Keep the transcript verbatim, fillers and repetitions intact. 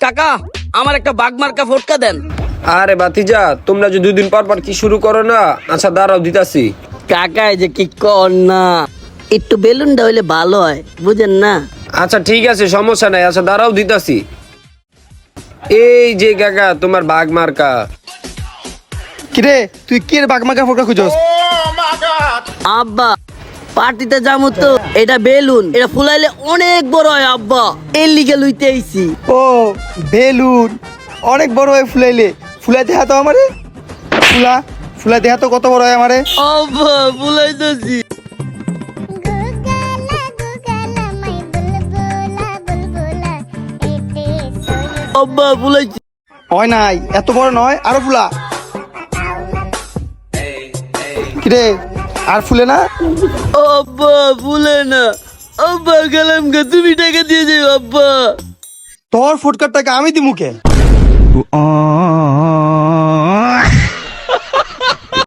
কাকা আমার একটা বাঘ মার্কা ফটকা দেন। আরে বাতিজা, তোমরা যে দুদিন পর পর কি শুরু করো না? আচ্ছা দাঁড়াও, দিতাছি। কাকা এই যে কি কর না, একটু বেলুনটা হইলে ভালো হয়, বুঝেন না? আচ্ছা ঠিক আছে, সমস্যা নাই। আচ্ছা দাঁড়াও, দিতাছি। এই যে কাকা, তোমার বাঘ মার্কা। কিরে তুই কি বাঘ মার্কা ফোকা খুঁজোস? আব্বা পার্টিতে যাবো তো, এটা বেলুন, এটা ফুলাইলে অনেক বড় হয় আব্বা, এর লিগে লইতে আইছি। ও বেলুন অনেক বড় হয় ফুলাইলে, ফুলাই দেখা তো আমারে, ফুলা ফুলাই দেখা তো কত বড় হয় আমারে। আব্বা ফুলাইতেছি। আব্বা ফুলাইছি। হয় নাই, এত বড় নয়, আরো ফুলা। কিরে আর ফুলে না? আব্বা ফুলে না। আব্বা গেলাম গে, তুমি টাকা দিয়ে যাও আব্বা। তোর ফুটকার টাকা আমি দি মুখে।